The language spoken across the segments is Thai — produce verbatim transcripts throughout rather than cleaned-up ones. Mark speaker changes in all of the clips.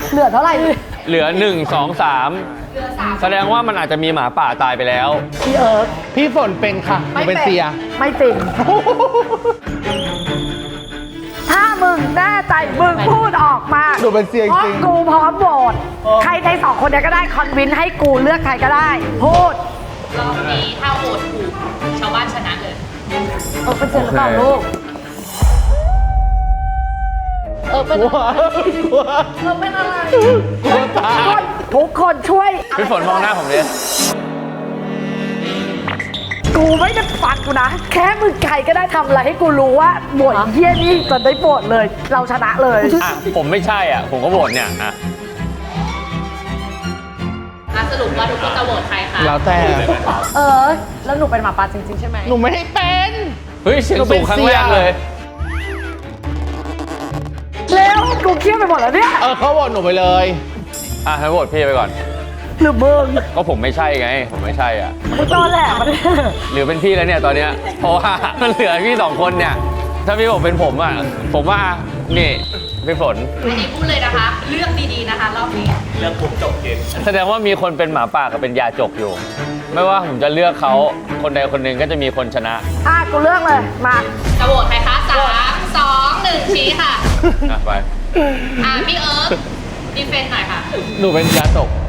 Speaker 1: เหลือเท่าไหร่
Speaker 2: เหลือหนึ่งสองสามแสดงว่ามันอาจจะมีหมาป่าตายไปแล้ว
Speaker 1: พี่เอิร์ธ
Speaker 3: พี่ฝนเป็นค่ะหนูเป็นเสีย
Speaker 1: ไม่เป็นถ้ามึงแน่ใจมึงพูดออกมา
Speaker 3: หนูเป็นเสียจริง
Speaker 1: พาะกูพร้อมโหวตใครในสองคนเนี้ยก็ได้คอนวินให้กูเลือกใครก็ได้ พูด
Speaker 4: รอบนี้ถ้าโหวตถูกชาวบ้านชนะเลย
Speaker 1: เออเป็นเจนหรือเปล่าลูก เออเป็น
Speaker 3: กลัวกลัว
Speaker 1: เออเป็นอะไร
Speaker 3: กลัวตาย
Speaker 1: ทุกคนช่วย
Speaker 2: พี่ฝนมองหน้าผมเลย
Speaker 1: กูไม่ได้ฟังกูนะ แค่มึงใครก็ได้ทำอะไรให้กูรู้ว่าบทเยี่ยนี่จะได้บทเลย เราชนะเลย
Speaker 2: อ่ะผมไม่ใช่อ่ะ ผมก็โหวตเนี่ยอ่ะ
Speaker 4: อ่ะสรุปว่าทุกคนจะโหวตใครคะ
Speaker 3: แล้วแต่
Speaker 1: เออ แล้วหนูเป็นหมาป่าจริงๆใช่ไหม
Speaker 3: หนูไม่ให้เป็น
Speaker 2: เฮ้ยเสียงสูงครั้งแรกเลย
Speaker 1: เร็วกูเครียดไปหมดแล้วเนี่ย
Speaker 3: เออเขาบอกหนูไปเลย
Speaker 2: อ่ะให้โหวตพี่ไปก่อน
Speaker 1: หรือมึง
Speaker 2: ก็ผมไม่ใช่ไง ผมไม่ใช่อ่ะ
Speaker 1: มึงตอนแหลกมาเนี่ย
Speaker 2: หรือเป็นพี่แล้วเนี่ยตอนเนี้ย เพราะว่ามันเหลือพี่สองคนเนี่ย ถ้าพี่บอกเป็นผมอ่ะ ผมว่า นี่พี่ฝน
Speaker 4: อันนี้พูดเลยนะคะ เลือกดีๆนะคะรอบนี้
Speaker 2: แสดงว่ามีคนเป็นหมาป่ากับเป็นยาจกอยู่ ไม่ว่าผมจะเลือกเขาคนใดคนหนึ่งก็จะมีคนชนะ
Speaker 1: อ่ะกูเลือกเลย มา
Speaker 4: จะโหวตใครคะสามสองหนึ่งชี้ค่ะ
Speaker 2: อ่ะไป
Speaker 4: อ่ะพี่เอิร์ธดีเฟนต์หน่อยค่ะ
Speaker 3: หนูเป็นยาตก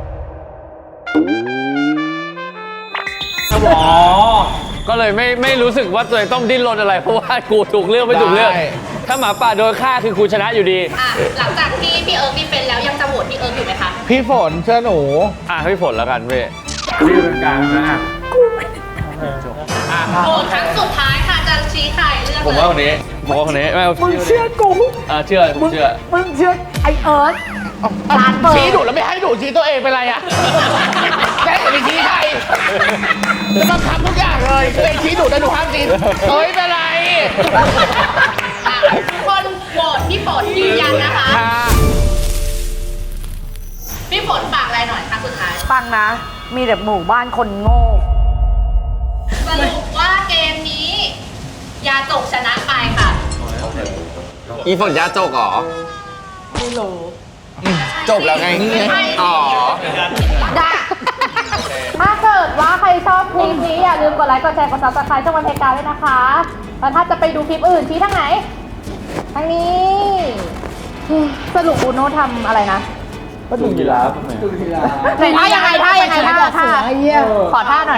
Speaker 2: อ๋อ ก็เลยไม่ไม่รู้สึกว่าตัวเองต้องดิ้นรนอะไร เพราะว่ากูถูกเลือกไม่ถูกเลือก
Speaker 3: ได้
Speaker 2: ถ้าหมาป่าโดนฆ่าคือกูชนะอยู่ดี
Speaker 4: อ่ะหลังจากที่พี่เอิร์ธดีเฟนต์แล้วยังจะโหวตพี่เอิร์ธอยู่ไหมคะ
Speaker 3: พี่ฝนเชื่อหนู
Speaker 2: อ่ะให้พี่ฝนแล้วกันพี่พี่เป็นกลางนะอ่ะ
Speaker 4: โหวตครั้งสุดท้ายค่ะจะชี้ใครเลือก
Speaker 2: ผม
Speaker 4: เล
Speaker 2: ว่าย คนนี้ผมว่าคนนี้ไม่เอา
Speaker 1: มึงเชื่อกู
Speaker 2: อ่ะเชื่อผม
Speaker 1: มึง
Speaker 2: เชื่อ
Speaker 1: มึงเชื่อไอเอิร์ธร้านเปิด
Speaker 3: ชี้หนูแล้วไม่ให้หนูชี้ตัวเองเป็นไรอะแค่หนูไปชี้ใครจะบังคับทุกอย่างเลยตัวเองชี้หนูแต่หนูห้ามชี้เฮ้ยเป็นไร
Speaker 4: อ่ะทุกคนโหวตพี่ฝนยืนยันนะคะ
Speaker 3: ค่ะ
Speaker 4: พี่ฝนฝากอะไรหน่อยครั้งสุดท้าย
Speaker 1: ฟังนะ มีแต่หมู่บ้านคนโง่
Speaker 4: สรุปว่าเกมนี้ ยาจกชนะไปค่ะ
Speaker 5: อีฝนยาจกเหรอ
Speaker 1: ไม่รู้
Speaker 5: จบแล้วไง อ๋อ
Speaker 1: ได้ถ้าเกิดว่าใครชอบคลิปนี้อย่าลืมกดไลค์ กดแชร์ กดซับสไครต์ช่องวันเทกาด้วยนะคะ แล้วถ้าจะไปดูคลิปอื่นชี้ทางไหน ทางนี้ สรุปอูโน่ทำอะไรนะก็ดูยีราฟไหนท่ายังไงท่ายังไงท่าท่าขอท่าหน่อย